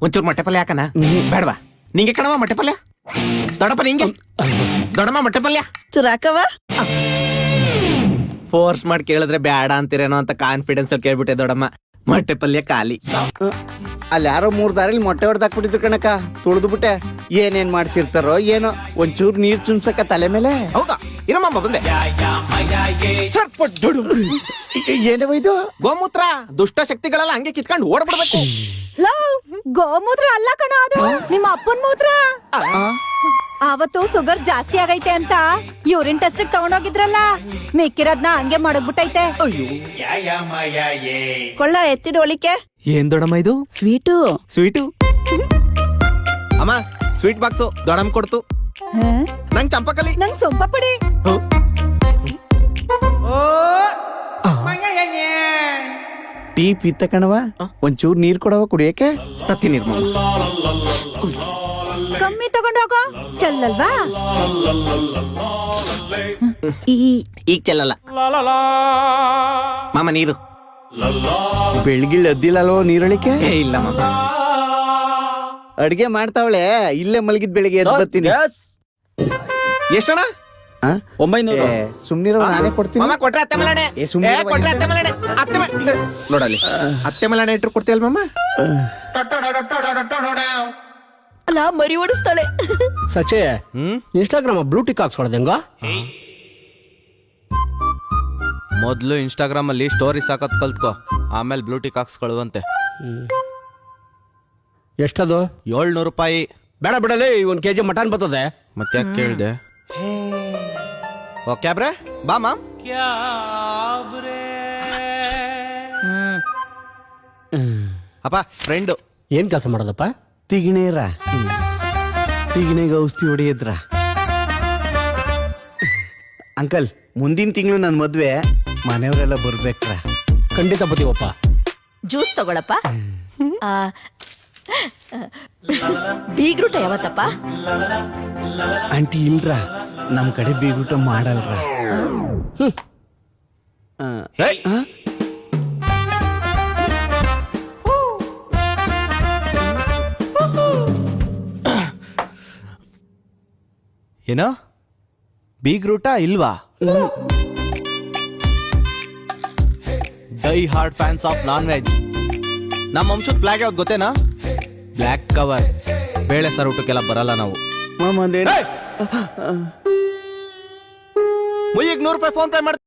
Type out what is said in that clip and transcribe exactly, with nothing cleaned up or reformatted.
ಒಂಚೂರು ಮೊಟ್ಟೆ ಪಲ್ಯ ಹಾಕನ ಬೇಡವಾ? ನಿಂಗೆ ಕಣವ ಮೊಟ್ಟೆ ಪಲ್ಯ? ದೊಡ್ಡಪ್ಪ ನಿಂಗೆ ದೊಡ್ಡಮ್ಮ ಮೊಟ್ಟೆ ಪಲ್ಯ ಚುರಾಕವ ಫೋರ್ಸ್ ಮಾಡಿ ಕೇಳಿದ್ರೆ ಬೇಡ ಅಂತೀರೇನೋ ಅಂತ ಕಾನ್ಫಿಡೆನ್ಸ್ ಅಲ್ಲಿ ಕೇಳ್ಬಿಟ್ಟೆ ದೊಡ್ಡಮ್ಮ. ಮೊಟ್ಟೆ ಪಲ್ಯ ಖಾಲಿ. ಅಲ್ಲಿ ಯಾರೋ ಮೂರ್ ದಾರಿಲಿ ಮೊಟ್ಟೆ ಹೊಡೆದಾಕ್ಬಿಟ್ಟಿದ್ರು ಕಣಕ, ತುಳಿದು ಬಿಟ್ಟೆ. ಏನೇನ್ ಮಾಡ್ಸಿರ್ತಾರೋ ಏನೋ, ಒಂಚೂರು ನೀರ್ ಚುಮ್ಸಕ ತಲೆ ಮೇಲೆ. ಹೌದಾ? ಇರಮ್ಮ ಬಂದೆ. ಏನವ ಇದು? ಗೋಮೂತ್ರ ದುಷ್ಟ ಶಕ್ತಿಗಳೆಲ್ಲ ಹಂಗೆ ಕಿತ್ಕೊಂಡು ಓಡ್ಬಿಡ್ಬೇಕು. ಗೋಮೂತ್ರ ಅಲ್ಲ ಕಣ, ಅದು ನಿಮ್ಮ ಅಪ್ಪನ್ ಮೂತ್ರ. ಅವತ್ತು ಶುಗರ್ ಜಾಸ್ತಿ ಆಗೈತೆ ಅಂತ ಯೂರಿನ್ ಟೆಸ್ಟ್ ತಗೊಂಡೋಗಿದ್ರಲ್ಲ, ಮಿಕ್ಕಿರೋದ್ನ ಹಂಗೆ ಮಾಡಗ್ಬಿಟ್ಟೈತೆ. ಕೊಳ್ಳ ಎತ್ತಿಡ್ ಒಳಿಕೆ. ಏನ್ ದೊಡ್ಡಮ್ಮ ಇದು? Sweet sweet. ಅಮ್ಮ ಸ್ವೀಟ್ ಬಾಕ್ಸು ದೊಡ್ಡಮ್ಮ ಕೊಡ್ತು. ನಂಗ್ ಚಂಪಕಲಿ. ನಂಗ್ ಸೊಂಪ ಪಡಿ. ಟೀ ಪಿತ್ತ ಕಣವ, ಒಂಚೂರು ನೀರ್ ಕೊಡವ ಕುಡಿಯಕ್ಕೆ. ತತ್ತಿ ನಿರ್ಮ ಕಮ್ಮಿ ತಗೊಂಡೋಗೋ, ಚೆಲ್ಲಲ್ವಾ? ಈಗ ಚೆಲ್ಲಲ್ಲ ಮಾಮ ನೀರು. ಬೆಳಗಿಲ್ ಅದ್ದಿಲ್ಲಲ್ವೋ ನೀರಳಿಕೆ? ಏ ಇಲ್ಲ ಮಾಮ. ಅಡ್ಗೆ ಮಾಡ್ತಾವಳೆ, ಇಲ್ಲೇ ಮಲಗಿದ್ ಬೆಳಿಗ್ಗೆ ಎದ್ದು ಬರ್ತೀನಿ. ಎಷ್ಟಣ್ಣ? ಒಂಬೈನೂರು. ಸುಮ್ನಿರೋ, ನಾನೇ ಕೊಡ್ತೀನಿ. ಮಾಮ ಕೊಟ್ರೆ ಅತ್ತೆ ಮಲಾಣೆ. ಏ, ಸುಮ್ನೆ ಏ, ಕೊಟ್ರೆ ಅತ್ತೆ ಮಲಾಣೆ. ಅತ್ತೆ ಮ- ನೋಡಲ್ಲಿ ಅತ್ತೆ ಮಲಾಣೆ ಇಟ್ರು ಕೊಡ್ತೀಯಲ್ ಮಾಮ? ಅಲ್ಲ ಮರಿ ಓಡಿಸ್ತಾಳೆ. ಸಚೆ ಹ್ಮ್ ಇನ್ಸ್ಟಾಗ್ರಾಮ್ ಬ್ಲೂಟಿಕ್ ಹಾಕ್ಸ್ಕೊಳೋದು ಹೆಂಗ? ಮೊದ್ಲು ಇನ್ಸ್ಟಾಗ್ರಾಮ್ ಅಲ್ಲಿ ಸ್ಟೋರೀಸ್ ಹಾಕೋದ್ ಕಲ್ತ್ಕೋ, ಆಮೇಲೆ ಬ್ಲೂಟಿಕ್ ಹಾಕ್ಸ್ಕೊಳ್ಳುವಂತೆ. ಎಷ್ಟದು? ಏಳ್ನೂರು ರೂಪಾಯಿ. ಬೇಡ ಬಿಡಲಿ, ಒಂದ್ ಕೆಜಿ ಮಟನ್ ಬರ್ತದೆ. ಮತ್ತೆ ಯಾಕೆ ಕೇಳ್ದೆ? ಓ ಕ್ಯಾಬ್ರೆ ಬಾ ಮಾಮ್. ಅಪ್ಪ ಫ್ರೆಂಡು. ಏನ್ ಕೆಲಸ ಮಾಡೋದಪ್ಪ? ತಿಗಿಣೇರ ತಿಗಿಣೆಗೆ ಔಷಧಿ ಹೊಡೆಯದ್ರ. ಅಂಕಲ್, ಮುಂದಿನ ತಿಂಗಳು ನನ್ ಮದ್ವೆ, ಮನೆಯವರೆಲ್ಲ ಬರ್ಬೇಕ್ರ. ಖಂಡಿತ ಬತ್ತೀವಪ್ಪ. ಜ್ಯೂಸ್ ತಗೊಳಪ್ಪ. ಬೀಗ್ರೂಟ ಯಾವತ್ತಪ್ಪ? ಆಂಟಿ ಇಲ್ರ, ನಮ್ ಕಡೆ ಬೀಗೂಟ ಮಾಡಲ್ರ. ಆ, ಹೇಯ್! ಆ? ಏನೋ ಬೀಗ್ರೂಟ ಇಲ್ವಾ? Die hard fans of non veg. ನಮ್ಮ ವಂಶದ ಫ್ಲಾಗ್ ಯಾವ್ದು ಗೊತ್ತೇನಾ? Black cover. ಬೇಳೆ ಸರ್ ಊಟಕ್ಕೆಲ್ಲ ಬರಲ್ಲ ನಾವು. ಮಾಮ, ಒಂದೇನು? ಮುಯ್ಯಿಗೆ ನೂರು ರೂಪಾಯಿ ಫೋನ್ ಪೇ ಮಾಡ್ತೀನಿ.